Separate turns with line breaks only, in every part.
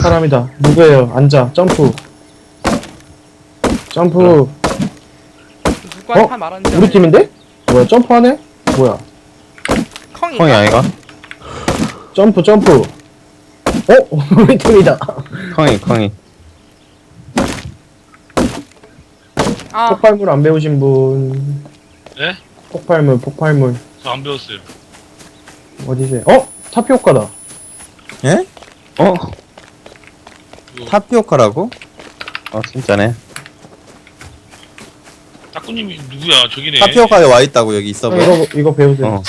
사람이다. 누구예요? 앉아. 점프. 점프.
누구한테 말하는지
우리 팀인데? 뭐야? 점프하네? 뭐야?
컹인가?
컹이 아이가?
점프 점프. 우리 팀이다.
컹이.
아
폭발물 안 배우신 분.
네?
폭발물.
저 안 배웠어요.
어디세요? 타피오카다.
예?
어?
이거
타피오카라고?
진짜네.
따꾸님이 누구야? 저기네.
타피오카에 와있다고 여기 있어 보여.
이거 배우세요.
어.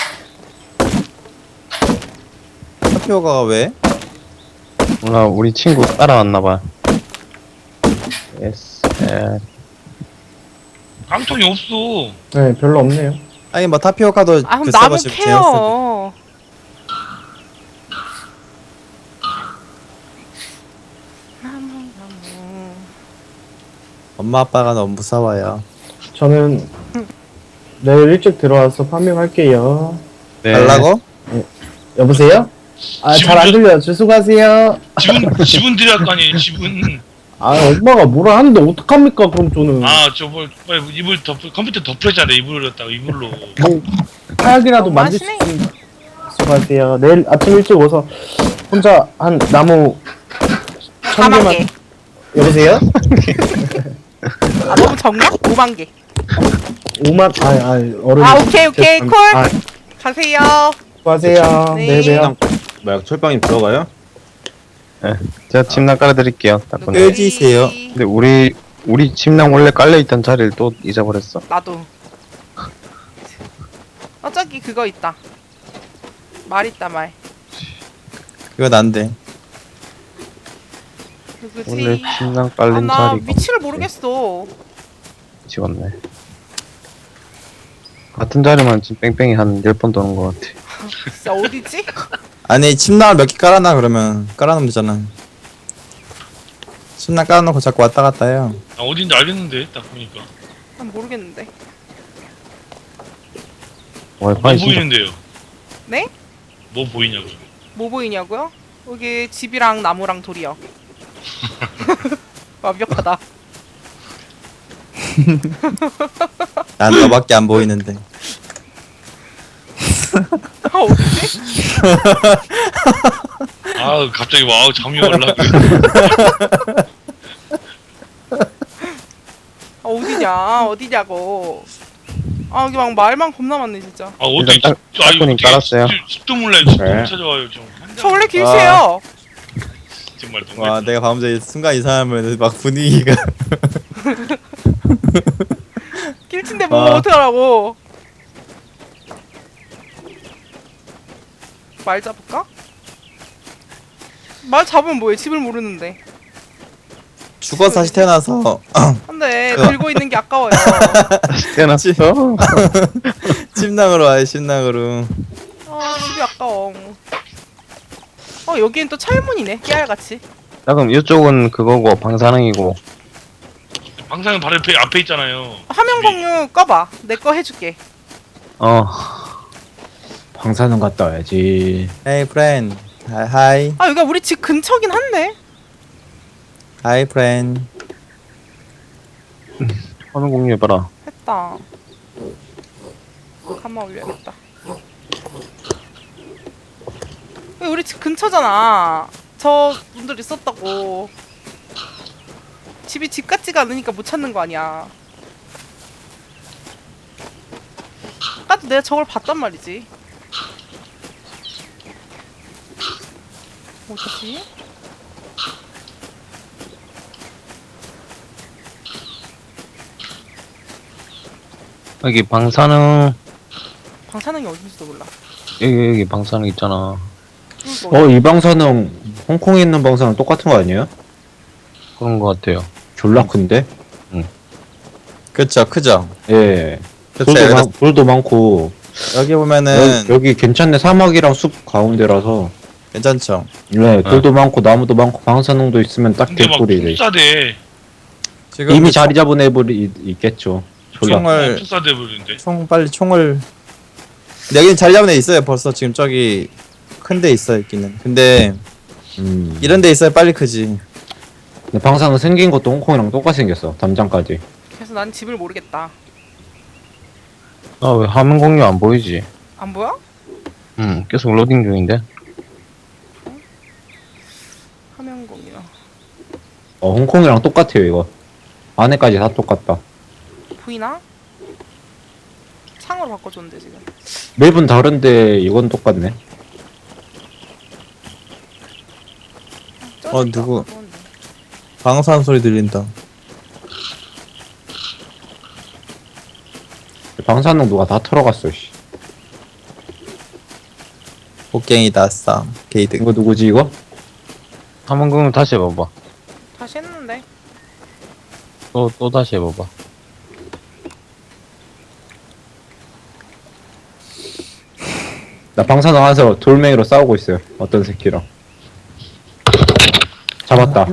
타피오카가 왜?
몰라, 우리 친구 따라왔나봐. 예스.
깡통이 없어.
네, 별로 없네요.
아니 뭐 타피오카도
아 그럼
그
나무
서버 재밌어.
캐요. 나무.
엄마 아빠가 너무 무서워요.
저는 내일 일찍 들어와서 파밍할게요.
네.
달라고?
여보세요? 잘 안 들려요. 수고하세요.
지분 드려야 할 거 아니에요, 지분.
엄마가 뭐라 하는데 어떡합니까? 그럼 저는
저 빨리 이불 컴퓨터 덮여잖아, 이불을 갖다가 이불로.
하약이라도 만들 수
너무하시네.
있으면 수고하세요. 내일 아침 일찍 오서 혼자 한 나무 1000개만
4만 개.
여보세요?
아 너무 적냐? 5만 개.
5만 어른.
오케이 콜.
아,
가세요.
수고하세요.
네.
내일 봬요.
뭐야 철빵이 들어가요?
제가 침낭 깔아드릴게요. 따꾸님.
끝. 끄지세요.
근데 우리 침낭 원래 깔려있던 자리를 또 잊어버렸어.
나도. 저기 그거 있다. 말 있다 말.
그거 난데.
누구지?
오늘 침낭 깔린
나
자리가
위치를 모르겠어.
찍었네. 같은 자리만 지금 뺑뺑이 한 10번 도는 것 같아.
진짜 어디지?
아니 침낭을 몇 개 깔아놔 그러면 깔아놓으면 되잖아. 침낭 깔아놓고 자꾸 왔다 갔다 해요.
어딘지 알겠는데, 딱 보니까.
난 모르겠는데.
뭐
와이파이 진짜
보이는데요?
네?
뭐 보이냐고요?
뭐 보이냐고요? 여기 집이랑 나무랑 돌이요. 완벽하다.
난 너밖에 안 보이는데.
어디지?
갑자기 잠이 올라.
어디냐고. 여기 막 말만 겁나 많네 진짜.
어디?
일단 따꾸님 깔았어요.
집도 몰라요. 집도
네.
못 찾아와요, 좀.
저 원래 길세요.
정말 너무.
와 내가 방금 전에 순간 이상하면 막 분위기가.
길친데 뭐
아.
어떡하라고. 말 잡을까? 말 잡으면 뭐해? 집을 모르는데.
죽어서 다시 태어나서
근데 들고 있는 게 아까워요.
깨놨어.
침낭으로 와요 침낭으로.
집이 아까워. 여기엔 또 철문이네. 깨알같이.
자, 그럼 이쪽은 그거고 방사능이고.
방상은 바로 앞에 있잖아요.
화면 공유 꺼봐. 내 거 해줄게.
방사능 갔다 와야지.
Hey friend. Hi.
여기가 우리 집 근처긴 한데.
Hi friend.
화면 공유해봐라.
했다. 가만 올려야겠다. 여기 우리 집 근처잖아. 저 분들 있었다고. 집이 집 같지가 않으니까 못 찾는 거 아니야. 아까도 내가 저걸 봤단 말이지. 어디지?
여기 방사능,
방사능이 어딘지도 몰라.
여기 방사능 있잖아.
이 방사능 홍콩에 있는 방사능 똑같은 거 아니에요?
그런 것 같아요.
졸라 큰데?
그쵸 크죠.
예.
그쵸.
돌도 많고
여기 보면은
여기 괜찮네. 사막이랑 숲 가운데라서.
괜찮죠.
네, 돌도 많고 나무도 많고 방사능도 있으면 딱
근데 막
개꿀이래.
푹사대.
지금
이미 자리 잡은 애들이 있겠죠. 졸라.
총을
푹사대 버리는데.
빨리 총을. 근데 여기는 자리 잡은 애 있어요 벌써 지금 저기 큰 데 있어 있기는. 근데 이런 데 있어야 빨리 크지.
근데 방사능 생긴 것도 홍콩이랑 똑같이 생겼어. 담장까지.
그래서 난 집을 모르겠다.
아 왜 화면 공유 안 보이지?
안 보여?
계속 로딩 중인데.
화면 공유.
홍콩이랑 똑같아요 이거. 안에까지 다 똑같다.
보이나? 창으로 바꿔줬는데 지금.
맵은 다른데 이건 똑같네.
쪄졌다.
누구?
그건데.
방사능 소리 들린다.
방사능 누가 다 털어갔어. 씨.
곡괭이다 쌈. 게이드.
이거 누구지 이거?
화면 공유 다시 해봐봐.
다시 했는데.
또 다시 해봐봐.
나 방사능 안에서 돌멩이로 싸우고 있어요. 어떤 새끼랑. 잡았다.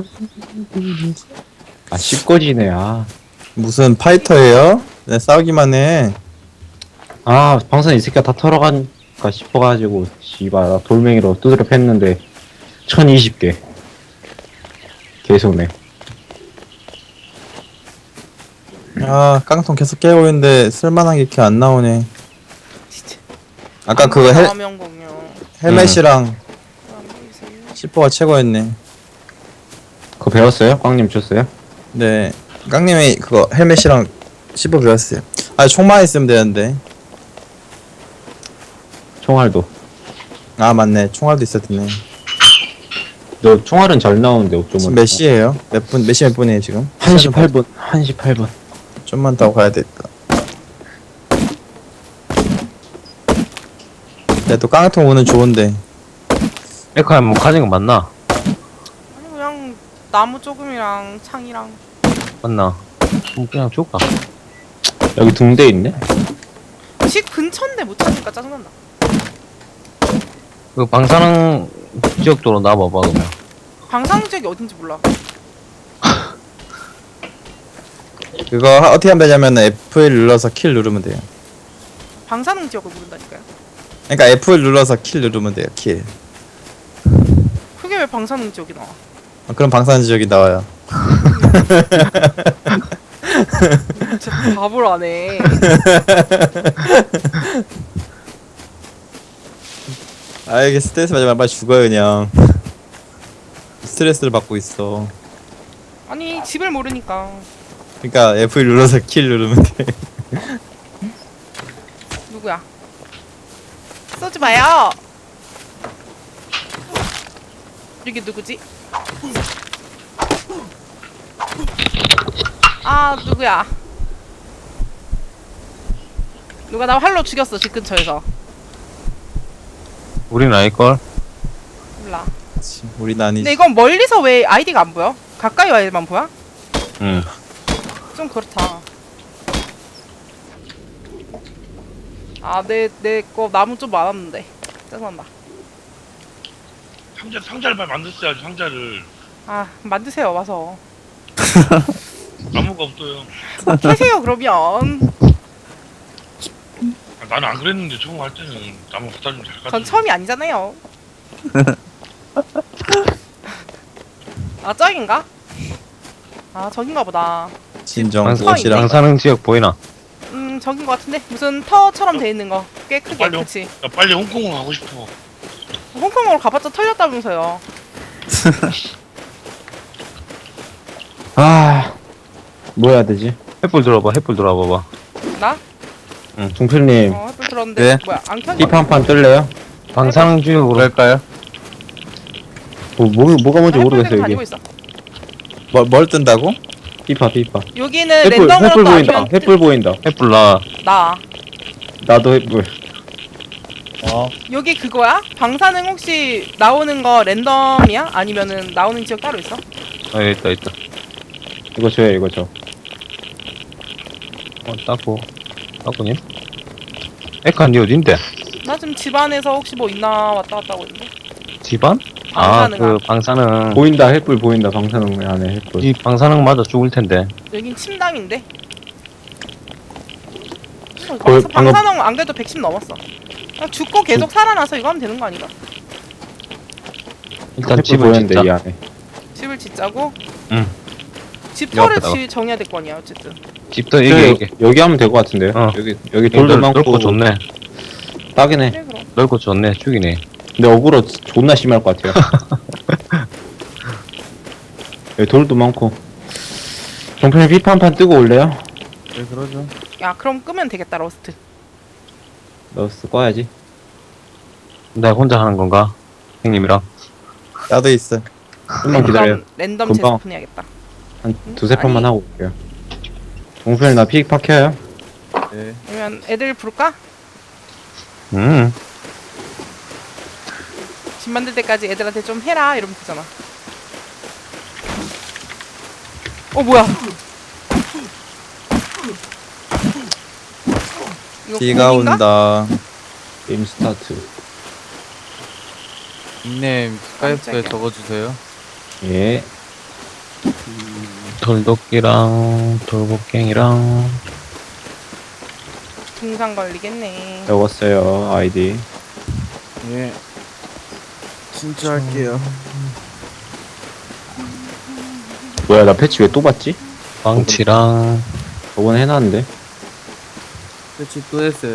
아 씹거지네.
무슨 파이터예요? 네, 싸우기만 해.
방사능 이 새끼가 다 털어간가 싶어가지고 씨발 나 돌멩이로 두드려 팼는데 1020개. 계속네.
아, 깡통 계속 깨고 있는데 쓸만한 게 이렇게 안 나오네.
진짜.
아까
안
그거
보여, 화면 공유.
헬멧이랑
안 보이세요?
C4가 최고였네.
그거 배웠어요? 꽝님 줬어요?
네, 깡님이 그거 헬멧이랑 C4 배웠어요. 아, 총만 있으면 되는데.
총알도.
아, 맞네. 총알도 있었네.
너 총알은 잘 나오는데
지금
어쩌면.
몇 시에요? 몇 시 몇 분이에요 지금?
1시 8분. 1시 8분.
좀만 더 가야 되겠다. 야, 또 깡통 오는 좋은데.
에카야 뭐 가진 거 맞나?
아니 그냥 나무 조금이랑 창이랑.
맞나? 그냥 줄까?
여기 둥대 있네?
집 근처인데 못 찾으니까 짜증난다.
그 방사능 지역도로 놔봐봐 그러면.
방사능 지역이 어딘지 몰라.
그거 어떻게 하면 되냐면 F1 눌러서 킬 누르면 돼요.
방사능 지역을 모른다니까요.
그러니까 F1 눌러서 킬 누르면 돼요. 킬.
그게 왜 방사능 지역이 나와?
그럼 방사능 지역이 나와요.
진짜 바보를 안 해.
아, 이게 스트레스 받으면 빨리 죽어요 그냥. 스트레스를 받고 있어.
아니 집을 모르니까.
그러니까 F1 눌러서 킬 누르면 돼.
누구야? 쏘지 마요. 이게 누구지? 아 누구야? 누가 나 활로 죽였어 집 근처에서.
우린 아닐걸?
몰라.
우리는 아니지.
근데 이건 멀리서 왜 아이디가 안 보여? 가까이 와야만 보여?
응.
좀 그렇다. 아, 내 거 나무 좀 많았는데. 짜증난다.
상자를 빨리 만들었어야지 상자를.
아, 만드세요, 와서.
나무가 없어요.
캐세요, 그러면.
아, 나는 안 그랬는데 처음 할 때는 나무 갖다 주면 잘 갖다
전 처음이 아니잖아요. 아, 저긴가? 아, 저긴가 보다.
진정
방사-
무엇이랑
방사능 지역 보이나?
저긴 거 같은데? 무슨 터처럼 돼 있는 거. 꽤 크게,
빨리.
그치?
나 빨리 홍콩을 가고 싶어.
홍콩으로 가봤자 털렸다면서요.
뭐 해야 되지?
횃불 들어봐. 횃불 들어봐봐.
나?
중필님,
햇불 들었는데.
네?
뭐야, 안 켜져?
힙 한 판 뜰래요?
방사능 지역으로 갈까요?
뭐가 뭔지 모르겠어요, 이게.
다니고 있어.
뭘 뜬다고?
힙합.
여기는
횃불
랜덤으로 또
보인다.
아니면
횃불 보인다.
횃불 나.
나.
나도 횃불.
여기 그거야? 방사능 혹시 나오는 거 랜덤이야? 아니면은 나오는 지역 따로 있어?
아 여기 있다.
이거 저요, 이거 저.
따고님? 에카 니 어딘데?
나 지금 집안에서 혹시 뭐 있나 왔다 갔다 하고 있는데.
집안?
방사능.
그 방사능.
보인다, 횃불 보인다. 방사능 안에 횃불.
이 방사능 맞아 죽을 텐데.
여긴 침당인데.
방금-
방사능 안 그래도 110 넘었어. 그냥 죽고 계속 살아나서 이거 하면 되는 거 아닌가?
일단
햇불
집을
보였는데
짓자.
이 안에.
집을 짓자고?
응.
집터를
옆에다가.
정해야 될 거 아니야 어쨌든.
집도 이게
여기 하면 될 것 같은데요.
어.
여기 돌도 많고
넓고 좋네.
딱이네.
그래 그럼.
넓고 좋네. 죽이네.
근데 어그로 존나 심할 것 같아요. 여기 돌도 많고. 종편에 피파 한 판 뜨고 올래요?
네 그러죠.
야 그럼 끄면 되겠다 러스트.
러스 꺼야지.
내가 혼자 하는 건가? 형님이랑.
나도 있어.
좀만 기다려요.
랜덤
금방.
재스폰 해야겠다.
한 두세 판만
아니.
하고 올게요. 종편에 나 피파 켜요?
네.
그러면 애들 부를까?
음.
집 만들 때까지 애들한테 좀 해라 이러면 되잖아. 뭐야? 이거
비가
공인가?
온다.
게임 스타트.
닉네임 스카이프에
깜짝이야.
적어주세요.
예.
돌도끼랑 돌곡갱이랑
등산 걸리겠네.
적었어요 아이디.
예. 진짜 할게요.
뭐야 나 패치 왜 또 받지?
빵치랑
저번에 해놨는데.
패치 또 했어요.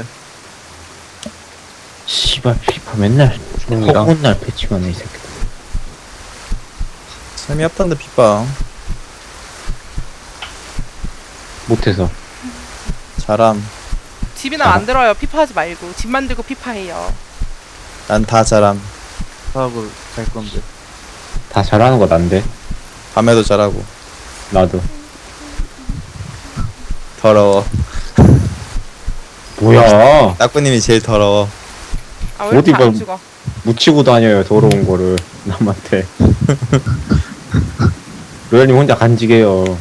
씨발 피파 맨날
춤이랑
허구한 날 패치만 해 이 새끼.
재미없던데 피파.
못해서.
잘함.
집이나 만들어요. 피파 하지 말고 집 만들고 피파 해요.
난 다 잘함.
사업을 잘 건데.
다 잘하는 거 난데.
밤에도 잘하고.
나도.
더러워.
뭐야?
따꾸님이 제일 더러워.
왜
어디
이렇게 안
봐.
죽어?
묻히고 다녀요 더러운 거를 남한테. 로얄님 혼자 간직해요.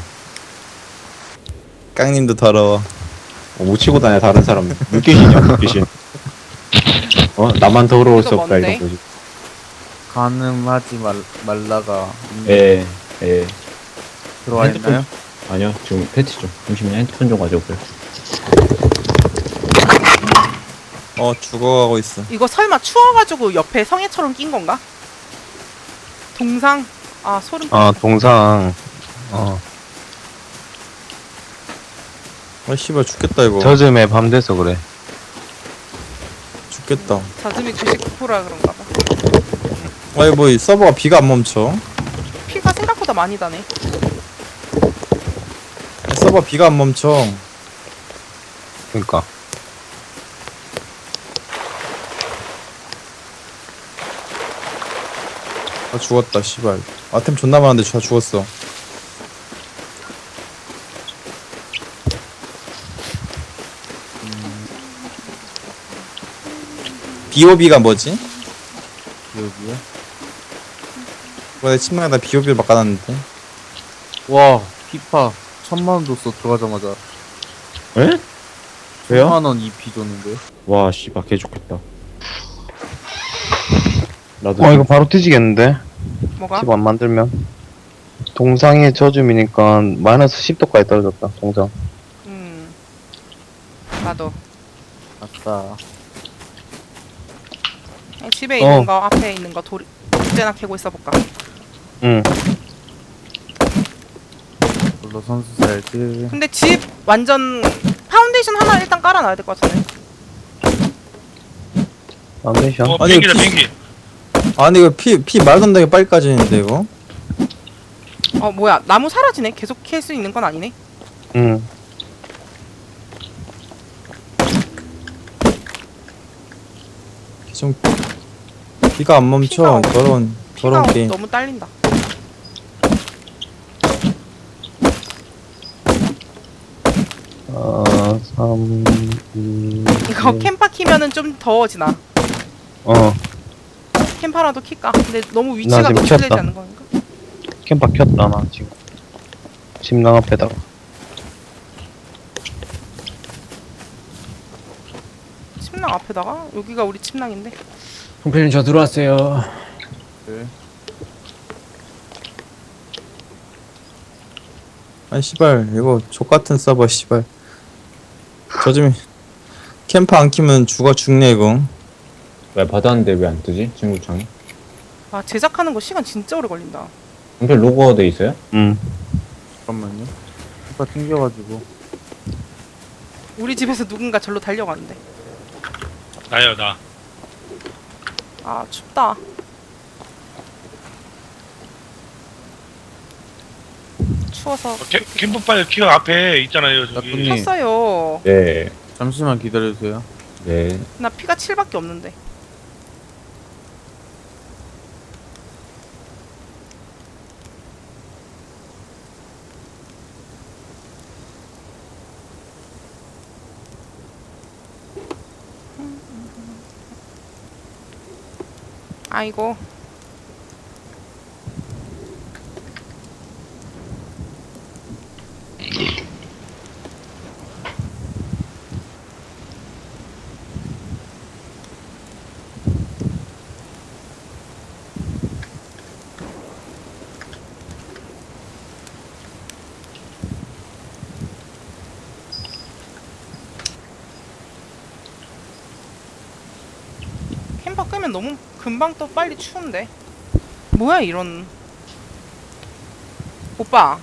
깡님도 더러워.
묻히고 다녀 다른 사람. 물귀신이야 물귀신. 나만 더러울 수
이거
없다
뭔데?
이런 거지.
가늠하지 말라가
예, 예.
들어와 있나요?
아니요, 지금 패치 좀. 잠시만요, 핸드폰 좀 가져올게요.
죽어가고 있어.
이거 설마 추워가지고 옆에 성애처럼 낀 건가? 동상? 소름.
동상
씨발 죽겠다 이거.
젖음에 밤 돼서 그래.
죽겠다.
자즘이 99%라 그런가 봐.
아니 뭐 이 서버가 비가 안 멈춰.
피가 생각보다 많이 다네.
서버 비가 안 멈춰.
그러니까
죽었다 씨발. 아템 존나 많은데 다 죽었어. BOB가 뭐지?
여기요?
내 침낭에다 BOB를 바꿔놨는데.
와 피파 1000만 줬어 들어가자마자.
에? 왜요?
1000만 EP 줬는데.
와 씨발 개 좋겠다. 나도
이거 바로 뒤지겠는데?
뭐가?
집 안 만들면 동상의 젖음이니까 마이너스 10도까지 떨어졌다. 동상
나도.
아싸.
그냥 집에 있는 거 앞에 있는 거 돌 언제나 캐고 있어 볼까?
응.
물로 선수 살지.
근데 집 완전 파운데이션 하나 일단 깔아놔야 될 것 같은데.
파운데이션
아니,
비행기다
피-
비행기.
아니 이거 피 말도 안 되게 빨리 까지는데 이거.
뭐야 나무 사라지네. 계속 캘 수 있는 건 아니네.
응.
좀 비가 안 멈춰.
피가
더러운
피가
게임.
너무 딸린다.
어, 3, 2,
이거 캠파 키면은 좀 더워지나? 캠파라도 킬까? 근데 너무 위치가
지금
노출되지
켰다.
않는 건가?
캠파 켰다 나 지금. 침낭 앞에다가.
침낭 앞에다가? 여기가 우리 침낭인데?
홍필님 저 들어왔어요.
아니 씨발 이거 족같은 서버 씨발. 저 좀 캠프 안 키면 죽네 이거.
왜 받았는데 왜 안 뜨지? 친구창이?
아 제작하는 거 시간 진짜 오래 걸린다.
종필 로그가 돼 있어요?
잠깐만요. 피파 튕겨가지고.
우리 집에서 누군가 절로 달려가는데.
나요 나.
아 춥다. 추워서
캠프파이어 키어 앞에 있잖아요 저기.
나쁜님.
켰어요.
네.
잠시만 기다려주세요.
네.
나 피가 7밖에 없는데. 아이고. 캠퍼 끄면 너무 금방 또 빨리 추운데. 뭐야 이런. 오빠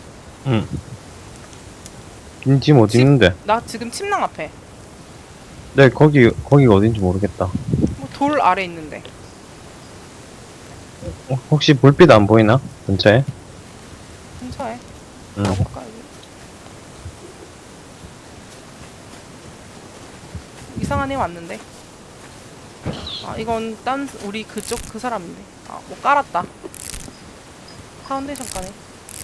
지금 어디
집-
있는데?
나 지금 침낭 앞에
네, 거기가 어딘지 모르겠다.
뭐 돌 아래 있는데.
혹시 불빛 안 보이나? 근처에?
근처에
응.
가볼까 여기. 이상한 애 왔는데. 아 이건 딴 우리 그쪽 그 사람인데. 아 뭐 깔았다. 파운데이션 까네.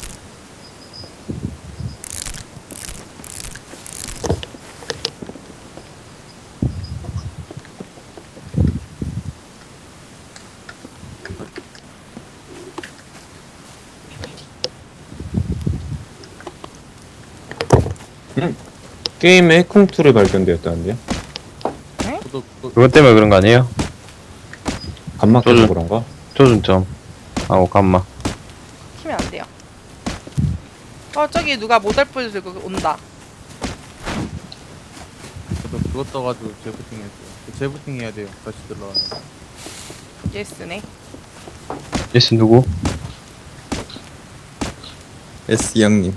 게임에 해킹툴이 발견되었다는데요?
그것 때문에 그런 거 아니에요?
간막해서
저는-
그런가?
조준점. 하고 감마.
키면 안 돼요. 저기 누가 모달불 들고 온다.
저도 그거 떠가지고 재부팅 했어요. 재부팅 해야 돼요. 다시 들어와요.
예스네.
예스 누구?
S 형님.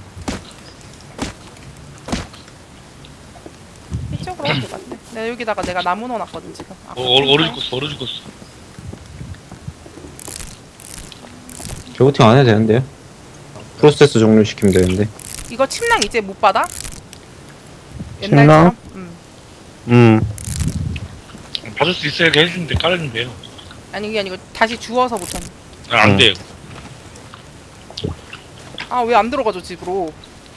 이쪽으로 오면 될 것 같아. 내가 여기다가 내가 나무 넣어놨거든 지금. 아,
얼어 죽었어.
재부팅 안 해도 되는데요? 프로세스 종료시키면 되는데.
이거 침낭 이제 못 받아?
침낭?
옛날처럼? 응.
받을 수 있어야 해주는데 깔아준대요.
아니 그게 아니고 다시 주워서 못하는.
안 돼요.
아 왜 안 들어가죠 집으로?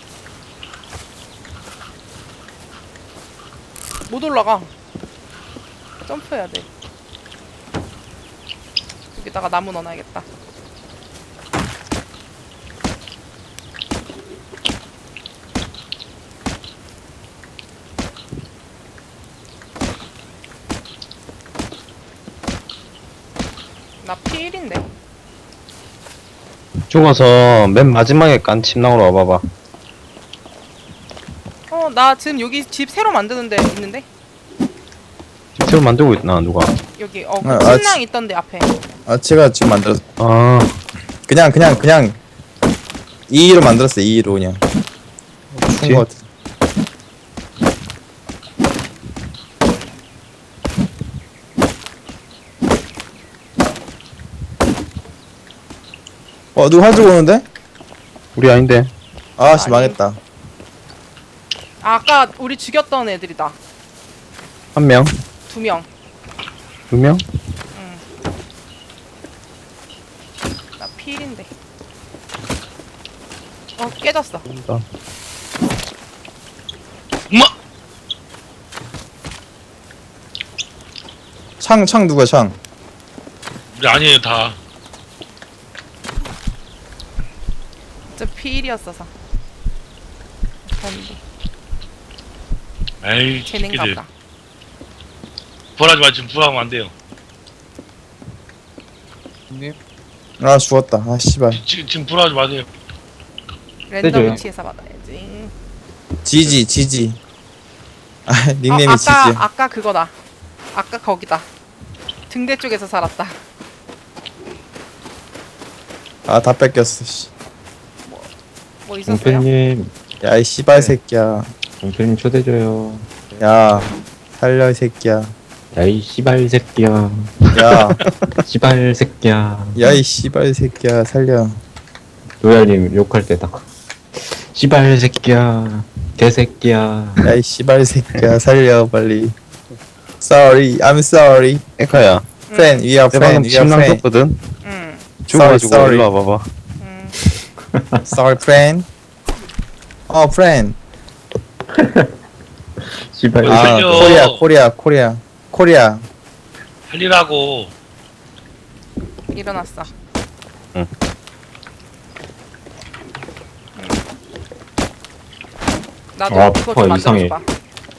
못 올라가. 점프해야 돼. 여기다가 나무 넣어놔야겠다. 나 P1인데.
죽어서 맨 마지막에 깐 침낭으로 와봐봐.
나 지금 여기 집 새로 만드는데 있는데?
지금 새로 만들고 있나 누가?
여기
아,
침낭 있던데 앞에.
아 제가 지금 만들었.
아,
그냥 2로 만들었어요. 2로 그냥. 추운 것 같아. 누가 가지고 오는데?
우리 아닌데.
아씨
아니.
망했다.
아, 아까 우리 죽였던 애들이다.
한 명,
2명.
두 명?
나 P1인데. 깨졌어.
엄마!
창 누구야 창?
우리 아니에요 다.
저 P1이었어서. 그런데
에이
쟤넨가
새끼들.
보다.
불하지 마 지금 불하면 안 돼요.
형님?
아 죽었다. 아 씨발.
지금 불하지 마세요.
랜덤
세줘요.
위치에서 받아야지.
지지. 아 닉네임이
아까
지지.
아까 그거다. 아까 거기다. 등대 쪽에서 살았다.
아, 다 뺏겼어, 씨.
뭐 있었어요?
용필님,
야, 이 씨발 새끼야.
용필님 초대줘요.
야, 살려, 이 새끼야.
야이 씨발 새끼야.
야,
씨발 새끼야.
야, 이 씨발 새끼야, 살려.
로얄님 욕할 때다. 씨발 새끼야. 개새끼야.
야, 이 씨발 새끼야, 살려, 빨리. Sorry, I'm sorry.
에카야,
Friend, we are
내 방금
friend, we are
침낭
friend.
썼거든?
응.
죽어가지고
sorry.
일로 와봐봐.
응.
Sorry, friend. Friend.
씨발
아,
새끼야.
살려.
코리아.
살리라고.
일어났어.
응.
응. 나도
아,
이거 좀
이상해.
만들어줘봐.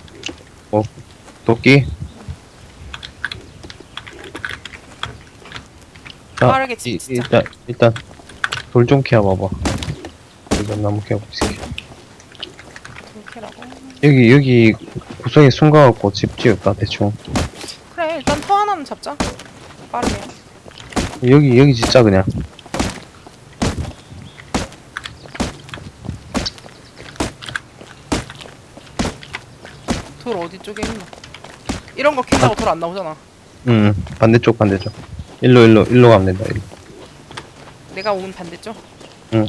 도끼? 자,
빠르게 진짜.
일단 돌 좀 캐와봐봐. 일단 나무 캐고 있을게.
이렇게라고.
여기 구석에 숨가갖고 집 지을까 대충.
그래 일단 터 하나는 잡자. 빠르게.
여기 짓자 그냥.
돌 어디 쪽에 있나? 이런 거 캔다고 돌 안 나오잖아.
반대쪽. 일로 가면 된다. 일로.
내가 온 반대쪽.
응.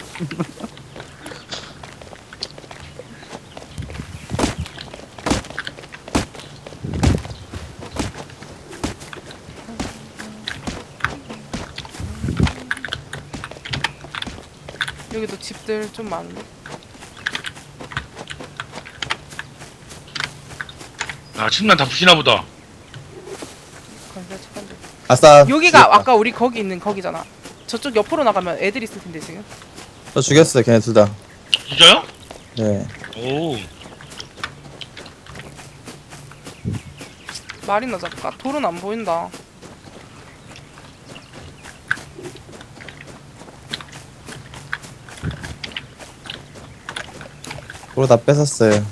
여기도 집들 좀 많은데.
아, 침낭 다 부시나 보다.
건설 측간들.
아싸.
여기가
죽였다.
아까 우리 거기 있는 거기잖아. 저쪽 옆으로 나가면 애들 있을 텐데 지금.
저 죽였어요, 걔네 둘 다.
진짜요?
네.
오.
말이나 잡을까? 돌은 안 보인다.
그거 다 뺏었어요.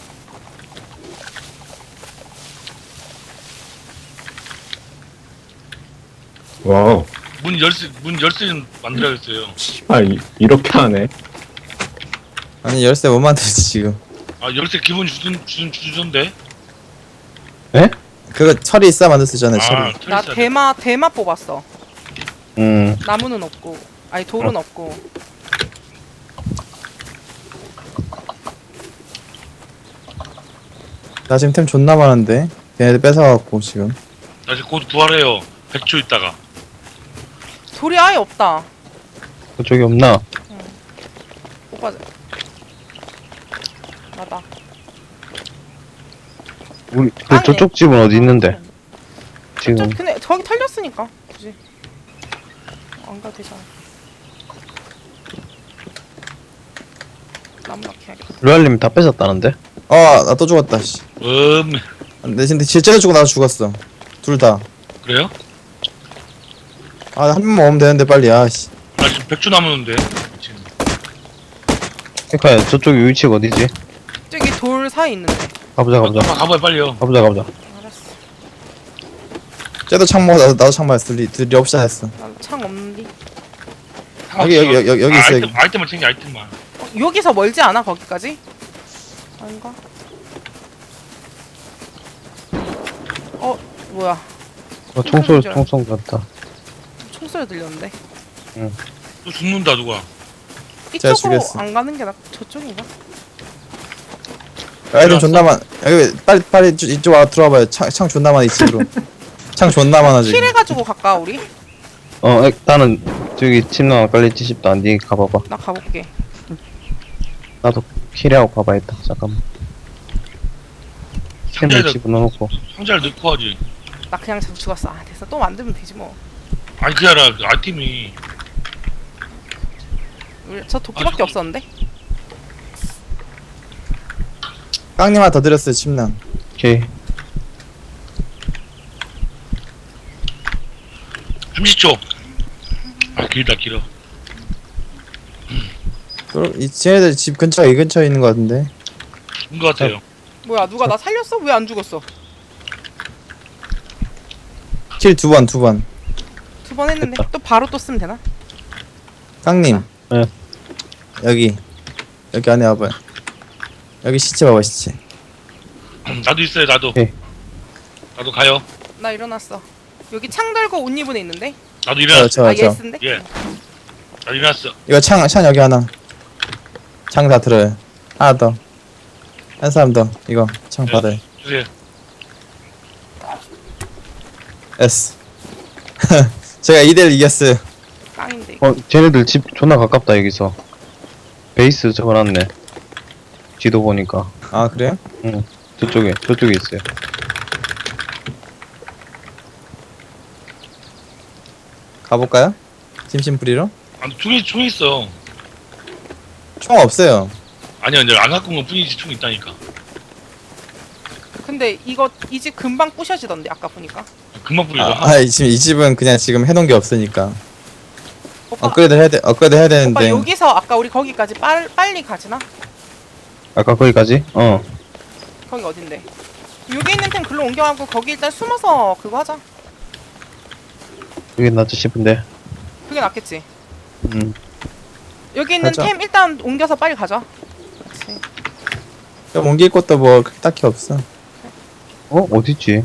와우.
문 열쇠 좀 만들어야겠어요.
씨발 이렇게 하네.
아니, 열쇠 못 만들지, 지금.
아, 열쇠 기본 주던데?
그거 철이 있어야 만들 수 있잖아요, 철이.
나 대마 뽑았어.
음.
나무는 없고, 아니 돌은 없고.
나 지금 템 존나 많은데. 걔네들 뺏어갖고, 지금.
나 이제 곧 부활해요. 100초 있다가.
돌이 아예 없다.
그쪽이 없나?
뽑아자. 나다.
우리
땅에.
저쪽 집은 어디 있는데?
저
지금
근데 저기 털렸으니까 굳이 안 가도 되잖아. 나무나 캐야겠다.
루알님 다 뺏었다는데?
나 또 죽었다, 씨. 내 근데 실제로 죽고 나도 죽었어. 둘 다.
그래요?
한 번만 오면 되는데, 빨리, 씨.
나 지금 100초 남았는데. 지금.
에카야, 저쪽 위치가 어디지?
저기 돌 사이 있는데.
가보자.
가봐요, 빨리요.
가보자.
알았어.
쟤도 창 먹어, 나도 창 먹었어. 둘이 없이 했어.
나도 창 없는디.
여기 있어, 여기.
아이템만 챙겨, 아이템만.
여기서 멀지 않아 거기까지? 아닌가? 뭐야?
총소리 같다.
총소리 들렸는데.
또 죽는다, 누가.
제가
이쪽으로
죽였어.
안 가는 게 저쪽인가?
아이템 존나 많. 여기 빨리 이쪽 와 들어와봐요. 창 존나 많아, 이 집으로. 창 존나 많아, 지금.
킬해가지고 갈까 우리?
나는 저기 침낭 깔렸지 싶다. 니 가봐봐.
나 가볼게.
나도 킬하고 가봐야겠다. 잠깐만. 템을
상자에다
집어넣고.
상자를 넣고 하지.
나 그냥 죽었어. 아 됐어. 또 만들면 되지 뭐.
아니, 그게 아니라 그 아이템이.
저 도끼밖에
저거-
없었는데?
깡님 하나 더 드렸어요, 침낭.
오케이.
30초. 아, 길어.
쟤네들 집 근처에 이 근처에 있는 것 같은데.
죽은 것 같아요.
뭐야 누가 나 살렸어? 왜 안 죽었어?
킬 두 번.
두 번 했는데 또 바로 또 쓰면 되나?
깡님.
네.
여기 안에 와봐요. 여기 시체 봐봐 시체.
나도 있어요, 나도.
네.
나도 가요.
나 일어났어. 여기 창 들고 옷 입은 애 있는데?
나도 일어났어.
저.
예스인데?
예. 나 일어났어.
이거 창 여기 하나. 창 다 들어요. 하나 더. 한 사람 더. 이거 창
네.
받아요.
주세요.
S. 제가 2대1 이겼어요.
깡인데.
쟤네들 집 존나 가깝다 여기서. 베이스 적어놨네. 지도 보니까.
아 그래요?
저쪽에 있어요.
가볼까요? 심심풀이로?
아, 총이 있어.
총 없어요.
아니야, 이제 안 갖고 온 것 뿐이지, 총 있다니까.
근데 이거 이 집 금방 부셔지던데 아까 보니까.
금방 뿌리죠.
지금 이 집은 그냥 지금 해놓은 게 없으니까
오빠,
업그레이드 해야
오빠
되는데.
여기서 아까 우리 거기까지 빨리 가지나?
아까 거기까지?
거기 어딘데? 여기 있는 템 글로 옮겨가고 거기 일단 숨어서 그거 하자.
여기 낫지 싶은데.
그게 낫겠지. 여기 있는
가자.
템 일단 옮겨서 빨리 가자. 그렇지.
좀 옮길 것도 뭐 그렇게 딱히 없어.
어딨지?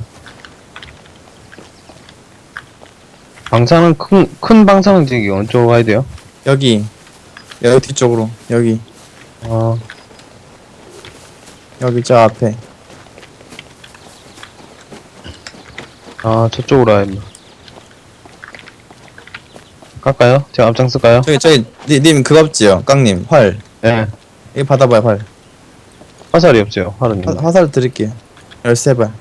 방사능 큰 방사능 지기 어느 쪽으로 가야 돼요?
여기 뒤쪽으로 여기 저 앞에.
저쪽으로 가야 된다. 갈까요? 제가 앞장쓸까요?
저기 님 그거 없지요? 깡님 활.
예.
이거 받아봐요 활.
화살이 없죠, 화르님.
화살 드릴게요. 13발.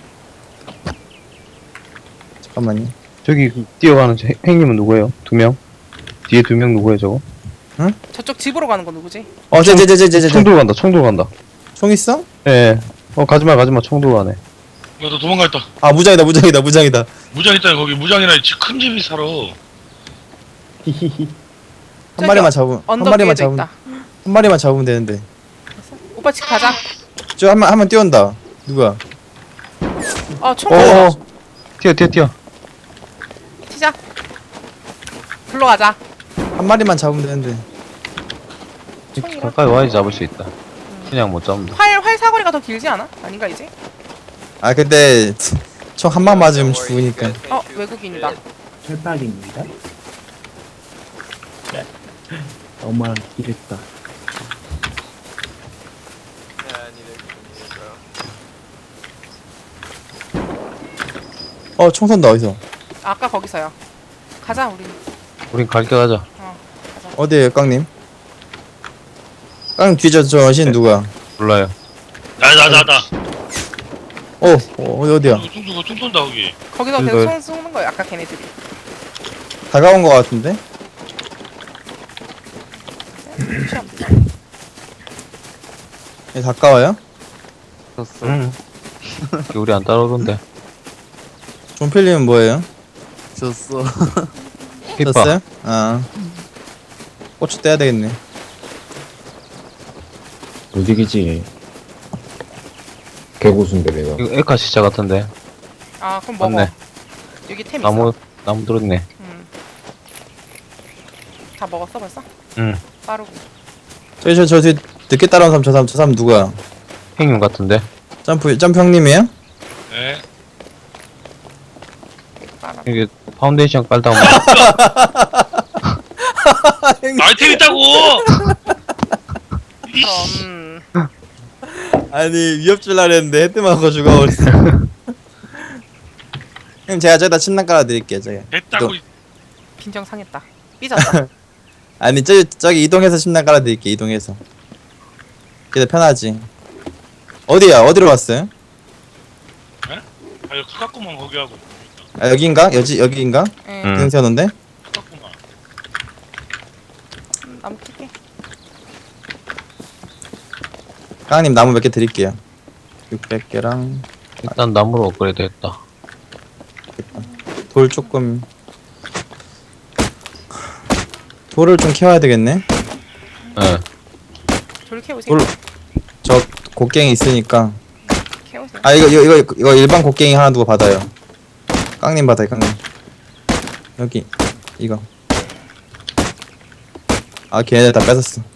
잠깐만요.
저기 뛰어가는 행님은 누구예요? 2명? 뒤에 2명 누구예요, 저거?
저쪽 집으로 가는 거 누구지?
쟤.
총 들고 간다, 총 들고 간다.
총 있어?
예. 가지마, 총 들고 가네.
야, 너 도망갔다.
아 무장이다.
무장 있다, 거기. 무장이나 큰 집이 살아.
한 마리만 잡으면
언덕 위에도 있다.
한 마리만 잡으면 되는데.
오빠 집 가자.
저 한 명 뛰어온다. 누구야?
총
뛰어.
튀자. 글로 가자.
한 마리만 잡으면 되는데.
총이랑
가까이 와야지 잡을 수 있다. 그냥 못 잡는다.
활 사거리가 더 길지 않아? 아닌가 이제?
아 근데 총 한 방 맞으면 죽으니까.
외국인이다.
철박입니다. 너무한 길했다.
총 쏜다. 어디서?
아까 거기서요. 가자 우리.
우린 갈게 가자.
가자.
어디에요 깡님? 깡 뒤져 저 여신 누구야?
몰라요.
나.
어디야?
총 쏜다, 거기.
거기서
그래서-
계속 총 쏘는 거야 아까 걔네들이.
다가온 거 같은데? 예, 가까워요?
응. 우리 안 따라오던데.
존필님은 뭐예요?
졌어.
hit바.
졌어요? 고추 떼야 되겠네.
무지개지. 개고수인데 내가.
이거 에카 시차 같은데.
그럼 먹어.
맞네.
여기 템 있어.
나무 들었네.
다 먹었어 벌써?
응.
빠르고.
저 뒤에 늦게 따라온 사람 저 사람 누구야?
행님 같은데.
점프 형님이에요?
네.
빠르고.
이게 파운데이션 깔다 보면
아이템 있다고!
그럼
아니 위협 줄라 그랬는데 헤드 맞고 죽어버렸어. 형님 제가 저기다 침낭 깔아드릴게요. 저기.
됐다고.
빈정 상했다. 삐졌다.
아니 저기 이동해서 침낭 깔아드릴게. 이동해서. 그게 더 편하지. 어디로 왔어요?
여기 가깝구만, 거기 하고.
여기인가? 여기인가?
응.
응.
세웠는데?
가깝구만.
나무 킬게.
깡님 나무 몇 개 드릴게요. 600개랑
일단 나무로 업그레이드 했다.
돌 조금. 돌을 좀 캐와야 되겠네.
예.
돌 캐오세요.
저 곡괭이 있으니까.
캐오세요.
아 이거 일반 곡괭이 하나 두고 받아요. 깡님 받아요 깡님. 여기 이거.
아 걔네들 다 뺏었어.